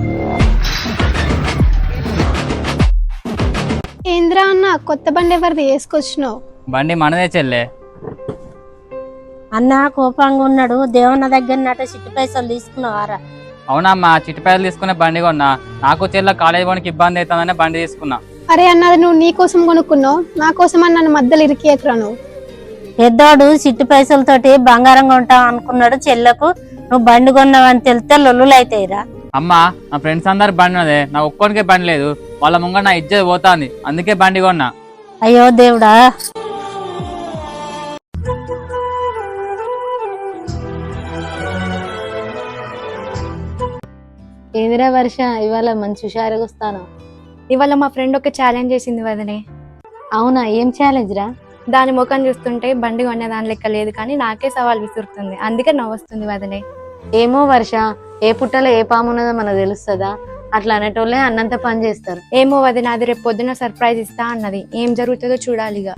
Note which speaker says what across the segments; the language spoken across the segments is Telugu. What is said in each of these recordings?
Speaker 1: ఏంద్రా అన్న కొత్త బండి ఎవరిది వేసుకొచ్చినావు?
Speaker 2: బండి మనదే చెల్లె.
Speaker 3: అన్న కోపంగా ఉన్నాడు. దేవన్న దగ్గర నట చిట్టి పైసలు తీసుకున్నావారా?
Speaker 2: అవునమ్మా, చిట్టి పైసలు తీసుకునే బండి కొన్నా. నాకు చెల్ల కాలేజీ పోనికి ఇబ్బంది అవుతుందనే బండి తీసుకున్నా.
Speaker 1: అరే అన్నది నువ్వు నీ కోసం కొనుక్కున్నావు, నా కోసం అని నన్ను మధ్యలో ఇరికియకురా. నువ్వు
Speaker 3: పెద్దోడు చిట్టి పైసలతోటి బంగారం కొంటావు అనుకున్నాడు. చెల్లకు నువ్వు బండి కొన్నావని తెలితే లొల్లులు అవుతాయిరా.
Speaker 2: అమ్మా, నా ఫ్రెండ్స్ అందరు బండి ఉన్నదే, నాకు ఒక్కడికే బండి లేదు. వాళ్ళ ముంగ నా ఇజ్జత్ పోతాంది, అందుకే బండి కొన్నా.
Speaker 3: అయ్యో దేవుడా.
Speaker 4: ఏందిరా వర్ష, ఇవాళ మంచి హుషారుగా వస్తాను.
Speaker 5: ఇవాళ మా ఫ్రెండ్ ఒక ఛాలెంజ్ చేసింది వదనే.
Speaker 4: అవునా, ఏం ఛాలెంజ్ రా?
Speaker 5: దాని ముఖం చూస్తుంటే బండి కొనే దాని లెక్క లేదు, కానీ నాకే సవాల్ విసురుతుంది. అందుకే నవ్వొస్తుంది వదనే.
Speaker 4: ఏమో వర్ష, ఏ పుట్టలో ఏ పాము ఉన్నదో మనకు తెలుస్తుందా? అట్లా అనేటోళ్ళే అన్నంత పని చేస్తారు.
Speaker 5: ఏమో వదిన, అది రేపు పొద్దున సర్ప్రైజ్ ఇస్తా అన్నది. ఏం జరుగుతుందో చూడాలిగా.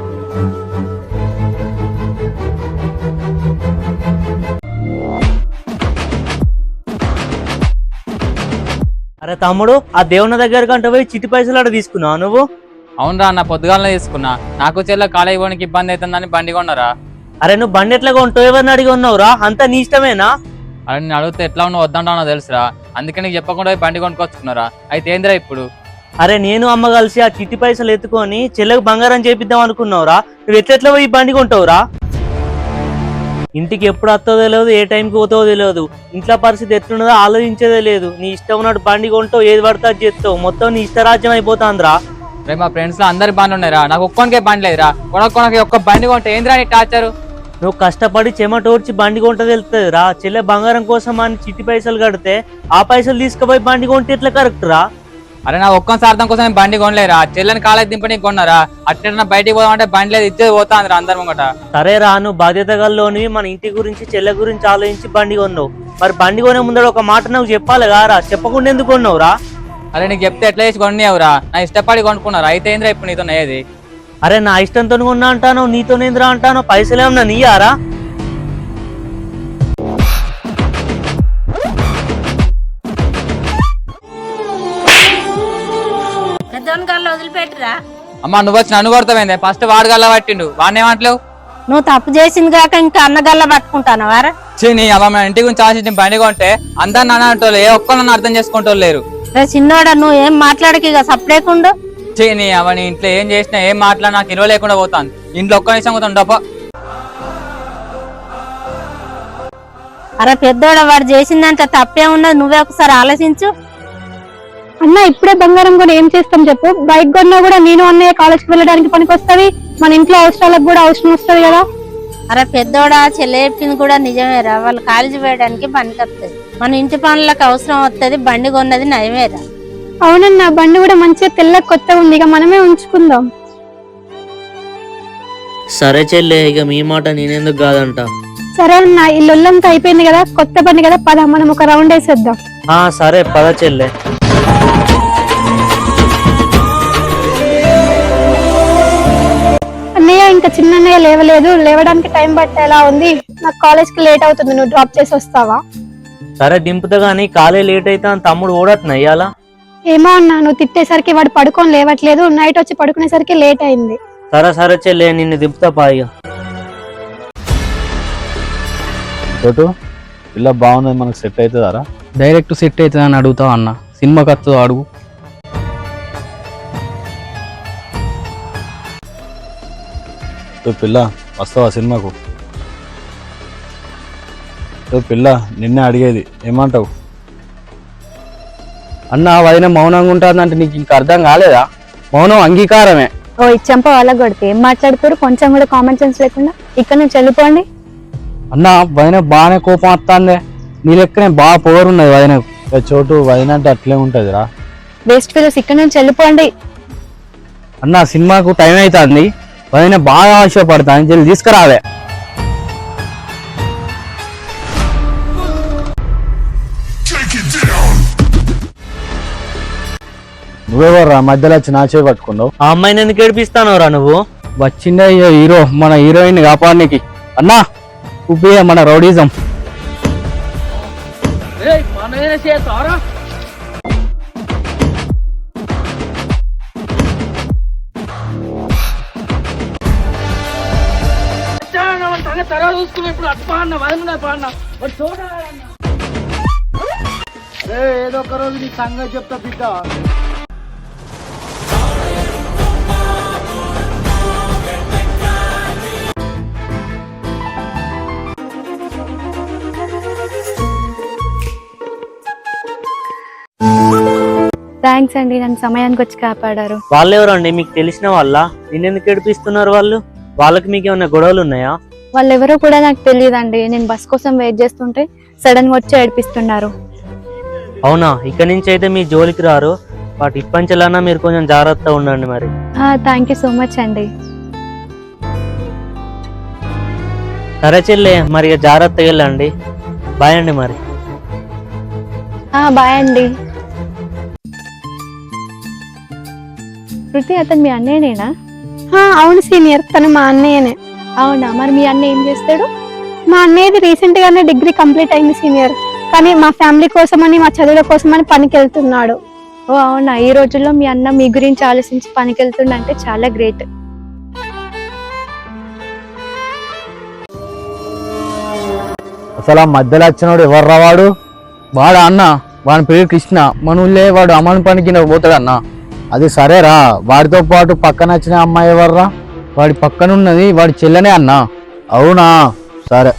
Speaker 6: అరే తమ్ముడు, ఆ దేవుని దగ్గర కంటే పోయి చిట్టి పైసలు అక్కడ తీసుకున్నావు నువ్వు?
Speaker 2: అవునరా అన్న, పొద్దుగాలనే తీసుకున్నా. నాకు చెల్ల కాలేజీ పోనికి ఇబ్బంది అవుతుందని బండి కొన్నారా.
Speaker 6: అరే నువ్వు బండి ఎట్లా కొంటావు? ఎవరిని అడిగి ఉన్నావురా? అంతా నీ ఇష్టమేనా?
Speaker 2: అరే నేను అడిగితే ఎట్లా ఉన్నావు వద్దంటానో తెలుసురా, అందుకే నీకు చెప్పకుండా పోయి బండి కొనుక్కొచ్చుకున్నారా. అయితే ఏందిరా ఇప్పుడు?
Speaker 6: అరే నేను అమ్మ కలిసి ఆ చిట్టి పైసలు ఎత్తుకొని చెల్లెకు బంగారం చేపిద్దాం అనుకున్నావురా. నువ్వు ఎట్లెట్లా పోయి బండి కొంటావురా? ఇంటికి ఎప్పుడు వస్తుందో తెలియదు, ఏ టైంకి పోతావో తెలియదు. ఇంట్లో పరిస్థితి ఎట్లున్నదో ఆలోచించేదే లేదు. నీ ఇష్టం ఉన్నట్టు బండి కొంటావు, ఏది పడితే అది చేస్తావు. మొత్తం నీ ఇష్టరాజ్యం అయిపోతాందిరా.
Speaker 2: రేపు మా ఫ్రెండ్స్ లో అందరి బండి ఉన్నాయిరా, నాకు ఒక్కనికే బండి లేదురా. కొనకొనకి ఒక్క బండి కొంటే ఏందిరా నీ టార్చరు?
Speaker 6: నువ్వు కష్టపడి చెమటోడ్చి బండి కొంట తెలుస్తుంది రా. చెల్లె బంగారం కోసం అని చిట్టి పైసలు కడితే ఆ పైసలు తీసుకుపోయి బండి కొంటే ఎట్లా కరెక్ట్ రా?
Speaker 2: అరే నా ఒక్క సార్థం కోసం నేను బండి కొనలేరా. చెల్లెని కాలేజ్ దింపని కొన్నారా. అట్లా బయటికి పోదామంటే బండి లేదు, ఇచ్చేది పోతాందిరా అందరి ముంగట.
Speaker 6: సరే రా, నువ్వు బాధ్యత గల్లోని మన ఇంటి గురించి చెల్లె గురించి ఆలోచించి బండి కొన్నావు. మరి బండి కొనే ముందర ఒక మాట నువ్వు చెప్పాలి కారా? చెప్పకుండా ఎందుకు కొన్నావు రా?
Speaker 2: అరే నీకు చెప్తే ఎట్లా చేసి కొన్నావురా? నా ఇష్టపడి కొనుక్కున్నారా. అయితే ఏంద్రా ఇప్పుడు నీతో ఏది?
Speaker 6: అరే నా ఇష్టంతో కొన్నా అంటాను, నీతోనేంద్రా అంటాను. పైసలు ఏమన్నా నీయారా?
Speaker 3: పెద్దోని గల్ల వదిలిపెట్టురా.
Speaker 2: అమ్మా నువ్వు వచ్చి నన్ను కొడతావేందే? ఫస్ట్ వాడు గల్లా పట్టిండు, వాడినేమంటలేవు?
Speaker 3: నువ్వు తప్పు చేసింది కాక ఇంకా అన్న గల్ల పట్టుకుంటాను వారా?
Speaker 2: నీ అమ్మ మన ఇంటి గురించి ఆశించి బండి కొంటే అందరు నన్ను అంటోళ్ళు, ఏ ఒక్కరు నన్ను అర్థం చేసుకుంటోళ్ళు లేరు.
Speaker 3: రే చిన్నోడా, నువ్వు ఏం మాట్లాడకి ఇక సపరేకుండా.
Speaker 2: నీ అమ్మ నీ ఇంట్లో ఏం చేసినా ఏం మాట్లాడినా నాకు ఇరవ లేకుండా పోతాను. ఇంట్లో ఒక్క నిమిషం పోతాను డబ్బా.
Speaker 3: అరే పెద్దోడ, వాడు చేసిందంటే తప్పే ఉన్నది. నువ్వే ఒకసారి ఆలోచించు.
Speaker 1: అన్న ఇప్పుడే బంగారం కొని ఏం చేస్తాం చెప్పు? బైక్ కొన్నా కూడా నేను అన్నయ్య కాలేజ్కి వెళ్ళడానికి పనికి వస్తుంది, మన ఇంట్లో అవసరాలకు కూడా అవసరం వస్తుంది కదా.
Speaker 3: అరే పెద్దోడా, చెల్లె చెప్పింది కూడా నిజమేరా. వాళ్ళు కాలేజీ పోయడానికి పనికి వస్తుంది, మన ఇంటి పనులకు అవసరం వస్తుంది. బండి కొన్నది నయమేరా.
Speaker 1: అవునన్నా, బండి కూడా మంచిగా తెల్ల కొత్తగా ఉంది, ఇక మనమే ఉంచుకుందాం.
Speaker 6: సరే చెల్లె, ఇక మీ మాట నేనెందుకు కాదంట.
Speaker 1: సరే అన్న, ఈ లొల్లంతా అయిపోయింది కదా, కొత్త బండి కదా, పద మనం ఒక రౌండ్ వేసేద్దాం.
Speaker 6: సరే పద చెల్లె.
Speaker 1: అన్నయ్య ఇంకా చిన్న అన్నయ్య లేవలేదు, లేవడానికి టైం పట్టేలా ఉంది. నాకు కాలేజ్ కి లేట్ అవుతుంది, నువ్వు డ్రాప్ చేసి వస్తావా?
Speaker 6: సరే దింపుతా గానీ కాలేజ్ లేట్ అయితే అని తమ్ముడు ఓడట్నా ఇయ్యాలా?
Speaker 1: ఏమో అన్న, నువ్వు తిట్టేసరికి వాడు పడుకొని లేవట్లేదు, నైట్ వచ్చి పడుకునేసరికి లేట్ అయింది.
Speaker 6: సరే చెల్లె, నిన్ను దింపుతా పాయిగా.
Speaker 7: ఇలా బాగున్నది, మనకు సెట్ అవుతుందారా?
Speaker 2: డైరెక్ట్ సెట్ అవుతుంది అని అడుగుతావు అన్న, సినిమా ఖర్చు అడుగు.
Speaker 7: పిల్ల వస్తావా సినిమాకు? పిల్ల నిన్నే అడిగేది, ఏమంటావు?
Speaker 2: అన్న వదిన మౌనంగా ఉంటుందంటే నీకు ఇంకా అర్థం కాలేదా? మౌనం అంగీకారమే.
Speaker 1: ఓ ఇచ్చంప వాళ్ళ కొడితే ఏం మాట్లాడుతారు? కొంచెం కూడా కామన్ సెన్స్ లేకుండా. ఇక్కడ నుంచి వెళ్ళిపోండి.
Speaker 2: అన్న వదిన బాగానే కోపం వస్తుంది, నీ లెక్కనే బాగా పొగరున్నది వదినకు.
Speaker 7: చోటు వదిన అంటే అట్లే ఉంటదిరా.
Speaker 1: వేస్ట్ ఫెలోస్, ఇక్కడ నుంచి వెళ్ళిపోండి.
Speaker 2: అన్న సినిమాకు టైం అవుతుంది, వదిన బాగా ఆశపడతాను, జల్ది తీసుకురావే.
Speaker 7: నువ్వెవర్రా మధ్యలో వచ్చి నా చేయి పట్టుకున్నావు?
Speaker 6: ఆ అమ్మాయిని ఎందుకు ఏడిపిస్తానో రా నువ్వు?
Speaker 2: వచ్చిండే హీరో మన హీరోయిన్ కాపాడడానికి. అన్నా మన రౌడీజం.
Speaker 8: తర్వాత చూసుకున్నా ఇప్పుడు అటు పాడినా వదిలినా పాడినా వాడు చూడాలన్నా ఏదో ఒక రోజు నీ సంగతి చెప్తా బిడ్డ.
Speaker 5: థ్యాంక్స్ అండి, నన్ను సమయానికి వచ్చి కాపాడారు.
Speaker 6: వాళ్ళు ఎవరండి? మీకు తెలిసిన వాళ్ళ? నిన్నెందుకు ఏడిపిస్తున్నారు వాళ్ళు? వాళ్ళకి మీకు ఏమైనా గొడవలు ఉన్నాయా?
Speaker 5: వాళ్ళు ఎవరో కూడా నాకు తెలియదండి. నేను బస్ కోసం వెయిట్ చేస్తుంటే సడన్ గా వచ్చి ఏడిపిస్తున్నారు.
Speaker 6: అవునా? ఇక్కడి నుంచి అయితే మీ జోలికి రారు. వాటి ఇప్పంచెలన్నా మీరు కొంచెం జాగ్రత్తగా ఉండండి మరి.
Speaker 5: థ్యాంక్ యూ సో మచ్ అండి.
Speaker 6: సరే చెల్లె, మరి ఇక జాగ్రత్తగా వెళ్ళండి. బాయ్ అండి మరి.
Speaker 5: బాయ్ అండి. శృతి, అతను మీ అన్నయ్యనేనా?
Speaker 1: అవును సీనియర్, తను మా అన్నయ్యనే.
Speaker 5: అవునా? మరి మీ అన్న ఏం చేస్తాడు?
Speaker 1: మా అన్నయ్యది రీసెంట్ గానే డిగ్రీ కంప్లీట్ అయింది సీనియర్. కానీ మా ఫ్యామిలీ కోసమని, మా చదువుల కోసమని పనికి వెళ్తున్నాడు.
Speaker 5: ఓ అవునా? ఈ రోజుల్లో మీ అన్న మీ గురించి ఆలోచించి పనికి వెళ్తుండంటే చాలా గ్రేట్.
Speaker 7: అసలు ఆ మధ్యలో వచ్చినోడు ఎవర్రా వాడు?
Speaker 2: వాడు అన్న, వాడి పేరు కృష్ణ. మన ఊళ్ళే వాడు అమ్మని పనికి పోతాడు అన్న.
Speaker 7: అది సరేరా, వాడితో పాటు పక్కన వచ్చిన అమ్మాయి ఎవర్రా?
Speaker 2: వాడి పక్కన ఉన్నది వాడి చెల్లెనే అన్న.
Speaker 7: అవునా? సరే.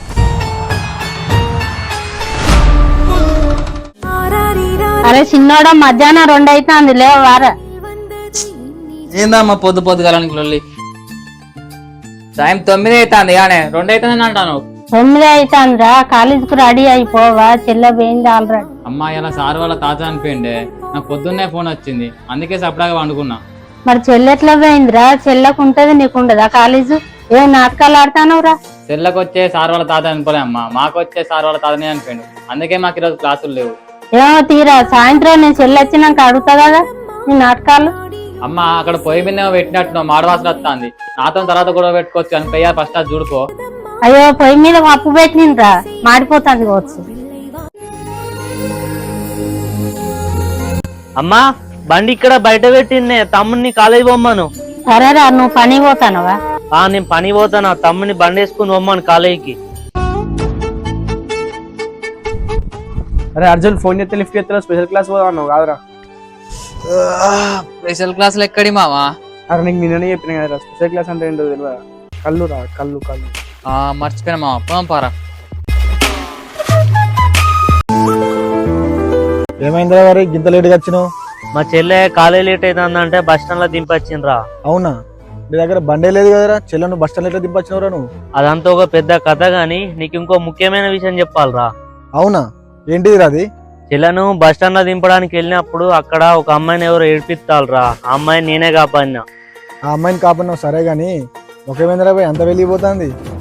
Speaker 3: అరే చిన్నోడా, మధ్యాహ్నం 2 అవుతుంది, లేవారా?
Speaker 2: ఏందమ్మా పొద్దు పొద్దుగాలని లొల్లి? టైం 9 అవుతుంది కానీ 2 అవుతుంది అంటాను.
Speaker 3: 9 అవుతుందిరా, కాలేజీకి రెడీ అయిపోవా? చెల్ల పోయింది ఆల్రెడీ.
Speaker 2: అమ్మా ఇలా సార్ వాళ్ళ తాత అనిపోయిండే, నాకు పొద్దున్నే ఫోన్ వచ్చింది, అందుకే సపడాగా వండుకున్నా.
Speaker 3: మరి చెల్లె ఎట్లా పోయిందిరా? చెల్లకు ఉంటది, నీకు ఉండదా కాలేజు? ఏం నాటకాలు ఆడతానవురా?
Speaker 2: చెల్లకు వచ్చే సార్ వాళ్ళ తాత అనిపోలే అమ్మా, మాకు వచ్చే సార్ వాళ్ళ తాతనే అనిపోయిండు. అందుకే మాకు ఈరోజు క్లాసులు లేవు.
Speaker 3: ఏమో తీరా, సాయంత్రం నేను చెల్లి వచ్చినాక అడుగుతా కదా నీ నాటకాలు.
Speaker 2: అమ్మ అక్కడ పొయ్యి మీద పెట్టినట్టు మాడవాసన వస్తుంది. నాతో తర్వాత గొడవ పెట్టుకోవచ్చు అని పోయా, ఫస్ట్ అది చూడుకో.
Speaker 3: అయ్యో, పొయ్యి మీద పప్పు పెట్టినరా, మాడిపోతుంది కావచ్చు.
Speaker 6: అమ్మా, బండి ఇక్కడ బయట పెట్టిందే, తమ్ముడిని కాలేజీ పోమ్మను.
Speaker 3: సరేరా, నువ్వు పని పోతానవా?
Speaker 6: నేను పని పోతాను, తమ్ముడిని బండి వేసుకుని పోమ్మను కాలేజీకి.
Speaker 8: అరే అర్జున్, ఫోన్ చేస్తే లిఫ్ట్ చేస్తా, స్పెషల్ క్లాస్ పోదాం అన్నావు కాదురా?
Speaker 2: స్పెషల్ క్లాసులు ఎక్కడి మావా?
Speaker 8: అరే నీకు నిన్ననే చెప్పిన కదా, స్పెషల్ క్లాస్ అంటే ఏంటో తెలియదా? కళ్ళు రా, కళ్ళు కళ్ళు.
Speaker 2: మర్చిపోయినా మావా, పోదాం పారా.
Speaker 7: ఏమైందిరా మరి గింత లేట్గా వచ్చినావు?
Speaker 6: మా చెల్లె కాలేజీ లేట్ అవుతుందంటే బస్ స్టాండ్ లో దింపొచ్చిండ్రా.
Speaker 7: అవునా? నీ దగ్గర బండే లేదు కదరా, చెల్లెను బస్ స్టాండ్ ఎట్లా దింపొచ్చినవరా నువ్వు?
Speaker 6: అదంతా ఒక పెద్ద కథ గాని, నీకు ఇంకో ముఖ్యమైన విషయం చెప్పాలరా.
Speaker 7: అవునా? ఏంటిదిరా అది?
Speaker 6: చెల్లెను బస్ స్టాండ్ లో దింపడానికి వెళ్ళినప్పుడు అక్కడ ఒక అమ్మాయిని ఎవరు ఏడిపిస్తాలరా. ఆ అమ్మాయిని నేనే కాపాడినా.
Speaker 7: ఆ అమ్మాయిని కాపాడినావు సరే గాని, ఒకేమైందిరా పోయి అంత వెళ్ళిపోతుంది.